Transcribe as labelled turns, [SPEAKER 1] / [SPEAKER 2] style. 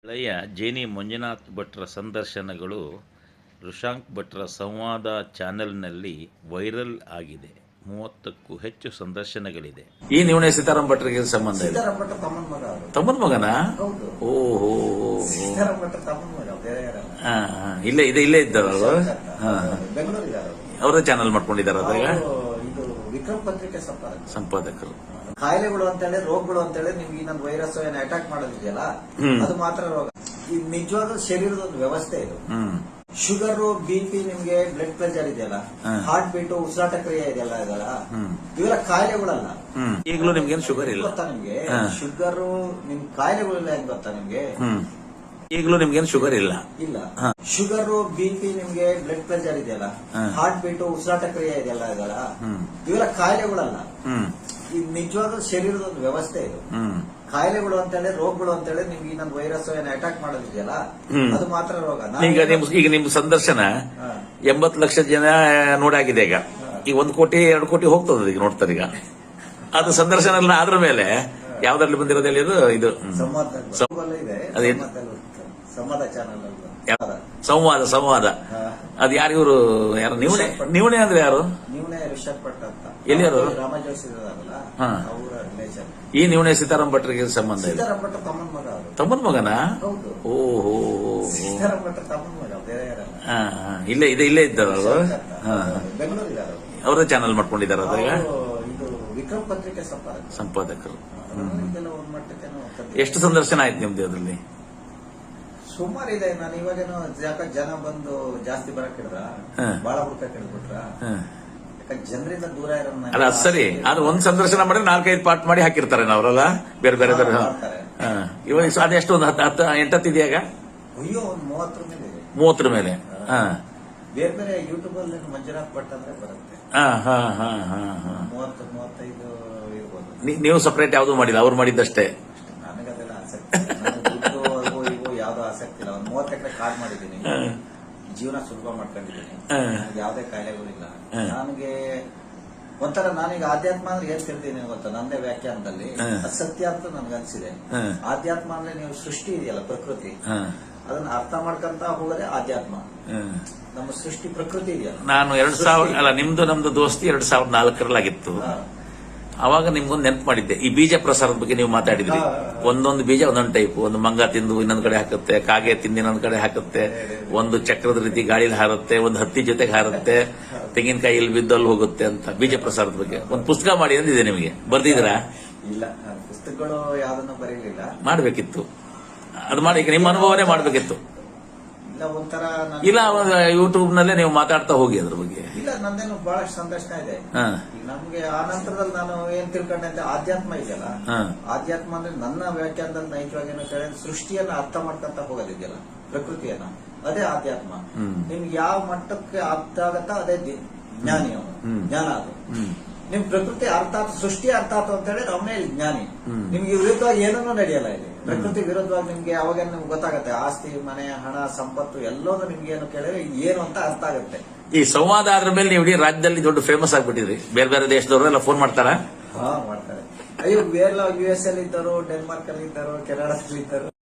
[SPEAKER 1] ಹಳೆಯ ಜೇನಿ ಮಂಜುನಾಥ್ ಭಟ್ರ ಸಂದರ್ಶನಗಳು ಋಷಾಂಕ್ ಭಟ್ರ ಸಂವಾದ ಚಾನೆಲ್ನಲ್ಲಿ ವೈರಲ್ ಆಗಿದೆ. 30ಕ್ಕೂ ಹೆಚ್ಚು ಸಂದರ್ಶನಗಳಿದೆ. ಈ ನಿವಣೆ ಸೀತಾರಾಮ್ ಭಟ್ರಿಗೆ ಸಂಬಂಧ ಇದೆ. ತಮ್ಮನ ಮಗನ? ಓಹೋ, ಇಲ್ಲೇ ಇದ್ದಾರ ಅವರ ಚಾನೆಲ್ ಮಾಡ್ಕೊಂಡಿದ್ದಾರೆ. ಅದಾಗ
[SPEAKER 2] ವಿಕ್ರಮ್ ಪತ್ರಿಕೆ
[SPEAKER 1] ಸಂಪಾದಕರು.
[SPEAKER 2] ಕಾಯಿಲೆಗಳು ಅಂತೇಳಿ, ರೋಗಗಳು ಅಂತೇಳಿ ನಿಮ್ಗೆ ಇನ್ನೊಂದು ವೈರಸ್ ಏನು ಅಟ್ಯಾಕ್ ಮಾಡೋದಿದೆಯಲ್ಲ, ಅದು ಮಾತ್ರ ರೋಗ. ಈ ನಿಜವಾದ ಶರೀರದ ಒಂದು ವ್ಯವಸ್ಥೆ ಇದು. ಶುಗರ್, BP, ನಿಮ್ಗೆ ಬ್ಲಡ್ ಪ್ರೆಷರ್ ಇದೆಯಲ್ಲ, ಹಾರ್ಟ್ ಬೀಟ್, ಉಸಿರಾಟ ಕ್ರಿಯೆ ಇದೆಯಲ್ಲ, ಇವೆಲ್ಲ ಕಾಯಿಲೆಗಳಲ್ಲ.
[SPEAKER 1] ಈಗಲೂ ನಿಮ್ಗೆ ಶುಗರ್ ಇಲ್ಲ
[SPEAKER 2] ಗೊತ್ತಾ? ನಿಮ್ಗೆ ಶುಗರ್ ನಿಮ್ ಕಾಯಿಲೆಗಳಿಲ್ಲ ಅಂತ ಗೊತ್ತಾ ನಿಮ್ಗೆ?
[SPEAKER 1] ಈಗಲೂ ನಿಮ್ಗೇನು ಶುಗರ್ ಇಲ್ಲ?
[SPEAKER 2] ಇಲ್ಲ. ಶುಗರ್, BP, ನಿಮ್ಗೆ ಬ್ಲಡ್ ಪ್ರೆಷರ್ ಇದೆಯಲ್ಲ, ಹಾರ್ಟ್ ಬೀಟ್, ಉಸಿರಾಟ ಕ್ರಿಯೆ ಇದೆಯಲ್ಲ, ಇವೆಲ್ಲ ಕಾಯಿಲೆಗಳಲ್ಲ. ಈ ನಿಜವಾದ ಶರೀರದ ಒಂದು ವ್ಯವಸ್ಥೆ ಇದು. ಕಾಯಿಲೆಗಳು ಅಂತೇಳಿ, ರೋಗಗಳು ಅಂತೇಳಿ ನಿಮ್ಗೆ ಇನ್ನೊಂದು ವೈರಸ್ ಏನು ಅಟ್ಯಾಕ್ ಮಾಡೋದಿದೆಯಲ್ಲ, ಅದು ಮಾತ್ರ ರೋಗ.
[SPEAKER 1] ಈಗ ನಿಮ್ ಸಂದರ್ಶನ 80 ಲಕ್ಷ ಜನ ನೋಡಾಗಿದೆ. ಈಗ 1 ಕೋಟಿ 2 ಕೋಟಿ ಹೋಗ್ತದ ಈಗ ನೋಡ್ತಾರೆ. ಈಗ ಅದು ಸಂದರ್ಶನ ಆದ್ರ ಮೇಲೆ ಯಾವ್ದ್ರಲ್ಲಿ ಬಂದಿರೋದು ಹೇಳಿ? ಇದು ಸಂವಾದ. ಅದು ಯಾರು ಇವರು? ಯಾರು ನೀವನೇ ಅಂದ್ರೆ ಯಾರು?
[SPEAKER 2] ಋಷಭ್ ಭಟ್ ಅಂತ.
[SPEAKER 1] ಎಲ್ಲಿ ಯಾರು?
[SPEAKER 2] ರಾಮಜೋಶಿ ಅವರ ರಿಲೇಷನ್.
[SPEAKER 1] ಈ ನಿವಣೆ ಸೀತಾರಾಮ್ ಭಟ್ರಿಗೆ ಸಂಬಂಧ ಇದೆ.
[SPEAKER 2] ಸೀತಾರಾಮ್ ಭಟ್ ತಮ್ಮನ ಮಗ.
[SPEAKER 1] ತಮ್ಮನ ಮಗನ?
[SPEAKER 2] ಓಹೋ, ಸೀತಾರಾಮ್ ಭಟ್ ತಮ್ಮನ ಮಗ, ಬೇರೆ ಯಾರಲ್ಲ.
[SPEAKER 1] ಇಲ್ಲೇ ಇದ್ದಾರ
[SPEAKER 2] ಬೆಂಗಳೂರಿದ್ದಾರೆ.
[SPEAKER 1] ಅವರ ಚಾನೆಲ್ ಮಾಡ್ಕೊಂಡಿದ್ದಾರೆ. ಅದಾಗ
[SPEAKER 2] ಇದು ವಿಕ್ರಮ್ ಪತ್ರಿಕೆ
[SPEAKER 1] ಸಂಪಾದಕರು. ಎಷ್ಟು ಸಂದರ್ಶನ ಆಯ್ತು ನಿಮ್ದು ಅದರಲ್ಲಿ?
[SPEAKER 2] ಸುಮಾರು ಇದೆ. ನಾನು ಇವಾಗೇನೋ ಜನ ಬಂದು ಜಾಸ್ತಿ ಬರಕ್ಕಿದ್ರ, ಬಾಳ ಹುಡ್ಕಕ್ ಹಿಡ್ಬಿಟ್ರ, ಜನರಿಂದ ದೂರ ಇರೋಣ.
[SPEAKER 1] ಅಲ್ಲ ಸರಿ, ಅದು ಒಂದ್ ಸಂದರ್ಶನ ಮಾಡಿ 4-5 ಪಾರ್ಟ್ ಮಾಡಿ ಹಾಕಿರ್ತಾರೆ ಅವರೆಲ್ಲ, ಬೇರೆ ಬೇರೆ ಬೇರೆ. ಇವಾಗ ಅದೆಷ್ಟು, ಒಂದು 8 ಇದೆಯಾಗ?
[SPEAKER 2] ಅಯ್ಯೋ, ಒಂದು
[SPEAKER 1] 30 ಮೇಲೆ.
[SPEAKER 2] ಬೇರೆ ಬೇರೆ ಯೂಟ್ಯೂಬ್ ಅಲ್ಲಿ ಮಂಜುನಾಥ್ ಭಟ್ ಅಂದ್ರೆ ಬರುತ್ತೆ. 30-35 ಇರ್ಬೋದು.
[SPEAKER 1] ನೀವು ಸಪರೇಟ್ ಯಾವ್ದು ಮಾಡಿಲ್ಲ, ಅವ್ರು ಮಾಡಿದ್ದಷ್ಟೇ.
[SPEAKER 2] ನನಗದೆಲ್ಲ ಆಸಕ್ತಿ, ಯಾವ್ದು ಆಸಕ್ತಿ ಇಲ್ಲ. ಒಂದು 30 ಎಕರೆ ಕಾಡ್ ಮಾಡಿದ್ದೀನಿ, ಜೀವನ ಸುಲಭ ಮಾಡ್ಕೊಂಡಿದ್ದೀನಿ, ಯಾವ್ದೇ ಕಾಯಿಲೆಗಳಿಲ್ಲ ನನಗೆ. ಒಂಥರ ನಾನೀಗ ಆಧ್ಯಾತ್ಮ ಅಂದ್ರೆ ಏನ್ ತಿಳ್ತೀನಿ ಗೊತ್ತಾ? ನಂದೇ ವ್ಯಾಖ್ಯಾನದಲ್ಲಿ ಸತ್ಯ ಅಂತ ನನ್ಗನ್ಸಿದೆ. ಆಧ್ಯಾತ್ಮ ಅಂದ್ರೆ ನೀವು ಸೃಷ್ಟಿ ಇದೆಯಲ್ಲ, ಪ್ರಕೃತಿ, ಅದನ್ನ ಅರ್ಥ ಮಾಡ್ಕೊಂತ ಹೋಗೋದೇ ಆಧ್ಯಾತ್ಮ. ನಮ್ಮ ಸೃಷ್ಟಿ ಪ್ರಕೃತಿ ಇದೆಯಲ್ಲ.
[SPEAKER 1] ನಾನು 2000 ನಮ್ದು ದೋಸ್ತಿ 2004 ಅವಾಗ ನಿಮ್ಗೊಂದು ನೆನಪು ಮಾಡಿದ್ದೆ. ಈ ಬೀಜ ಪ್ರಸಾರದ ಬಗ್ಗೆ ನೀವು ಮಾತಾಡಿದ್ರಿ. ಒಂದೊಂದು ಬೀಜ ಒಂದೊಂದು ಟೈಪ್. ಒಂದು ಮಂಗ ತಿಂದು ಇನ್ನೊಂದ್ ಕಡೆ ಹಾಕುತ್ತೆ, ಕಾಗೆ ತಿಂದು ಇನ್ನೊಂದ್ ಕಡೆ ಹಾಕುತ್ತೆ, ಒಂದು ಚಕ್ರದ ರೀತಿ ಗಾಳಿಲಿ ಹಾರುತ್ತೆ, ಒಂದು ಹತ್ತಿ ಜೊತೆಗೆ ಹಾರುತ್ತೆ, ತೆಂಗಿನಕಾಯಿ ಇಲ್ಲಿ ಬಿದ್ದಲ್ಲಿ ಹೋಗುತ್ತೆ ಅಂತ. ಬೀಜ ಪ್ರಸಾರದ ಬಗ್ಗೆ ಒಂದು ಪುಸ್ತಕ ಮಾಡಿ ಅಂದಿದೆ. ನಿಮಗೆ ಬರ್ದಿದ್ದೀರಾ?
[SPEAKER 2] ಇಲ್ಲ, ಪುಸ್ತಕಗಳು ಯಾವ್ದನ್ನು ಬರೀಲಿಲ್ಲ.
[SPEAKER 1] ಮಾಡ್ಬೇಕಿತ್ತು, ಅದು ಮಾಡಿ. ಈಗ ನಿಮ್ಮ ಅನುಭವನೇ ಮಾಡ್ಬೇಕಿತ್ತು. ಇಲ್ಲ, ಯೂಟ್ಯೂಬ್ ನಲ್ಲೇ ನೀವು ಮಾತಾಡ್ತಾ ಹೋಗಿ ಅದ್ರ ಬಗ್ಗೆ.
[SPEAKER 2] ಇಲ್ಲ, ನಂದೇನು ಬಹಳಷ್ಟು ಸಂದರ್ಶನ ಇದೆ. ನಮ್ಗೆ ಆ ನಂತರದಲ್ಲಿ ನಾನು ಏನ್ ತಿಳ್ಕೊಂಡೆ ಅಂದ್ರೆ, ಆಧ್ಯಾತ್ಮ ಇದೆಯಲ್ಲ, ಆಧ್ಯಾತ್ಮ ಅಂದ್ರೆ ನನ್ನ ವ್ಯಾಖ್ಯಾನದಲ್ಲಿ ನೈಜವಾಗಿ ಸೃಷ್ಟಿಯನ್ನ ಅರ್ಥ ಮಾಡ್ಕೊಂತ ಹೋಗೋದಿದೆಯಲ್ಲ, ಪ್ರಕೃತಿಯನ್ನ, ಅದೇ ಆಧ್ಯಾತ್ಮ. ನಿಮ್ಗೆ ಯಾವ ಮಟ್ಟಕ್ಕೆ ಅರ್ಥ ಆಗತ್ತ ಅದೇ ಜ್ಞಾನಿ, ಜ್ಞಾನ. ಅದು ನಿಮ್ ಪ್ರಕೃತಿ ಅರ್ಥ ಆಯ್ತು, ಸೃಷ್ಟಿ ಅರ್ಥ ಆಯ್ತು ಅಂತ ಹೇಳಿ ಅವನೇ ಜ್ಞಾನಿ. ನಿಮ್ಗೆ ವಿರುದ್ಧವಾಗಿ ಏನನ್ನೂ ನಡೆಯಲ್ಲ ಇಲ್ಲಿ. ಪ್ರಕೃತಿ ವಿರುದ್ಧವಾಗಿ ನಿಮ್ಗೆ ಯಾವಾಗ ನಿಮ್ಗೆ ಗೊತ್ತಾಗುತ್ತೆ, ಆಸ್ತಿ, ಮನೆ, ಹಣ, ಸಂಪತ್ತು ಎಲ್ಲೋದು ನಿಮ್ಗೆ ಏನು ಕೇಳಿದ್ರೆ ಏನು ಅಂತ ಅರ್ಥ ಆಗುತ್ತೆ. ಈ
[SPEAKER 1] ಸಂವಾದ ಆದ್ರ ಮೇಲೆ ನೀವು ಇಡೀ ರಾಜ್ಯದಲ್ಲಿ ದೊಡ್ಡ ಫೇಮಸ್ ಆಗ್ಬಿಟ್ಟಿದ್ರಿ. ಬೇರೆ ಬೇರೆ ದೇಶದವರೆಲ್ಲ ಫೋನ್ ಮಾಡ್ತಾರ?
[SPEAKER 2] ಮಾಡ್ತಾರೆ. ಅಯ್ಯೋ, ಬೇರೆ US ಅಲ್ಲಿ ಇದ್ದರು, ಡೆನ್ಮಾರ್ಕ್ ಅಲ್ಲಿ ಇದ್ದರು, ಕೆನಡಾದಲ್ಲಿ ಇದ್ದರು.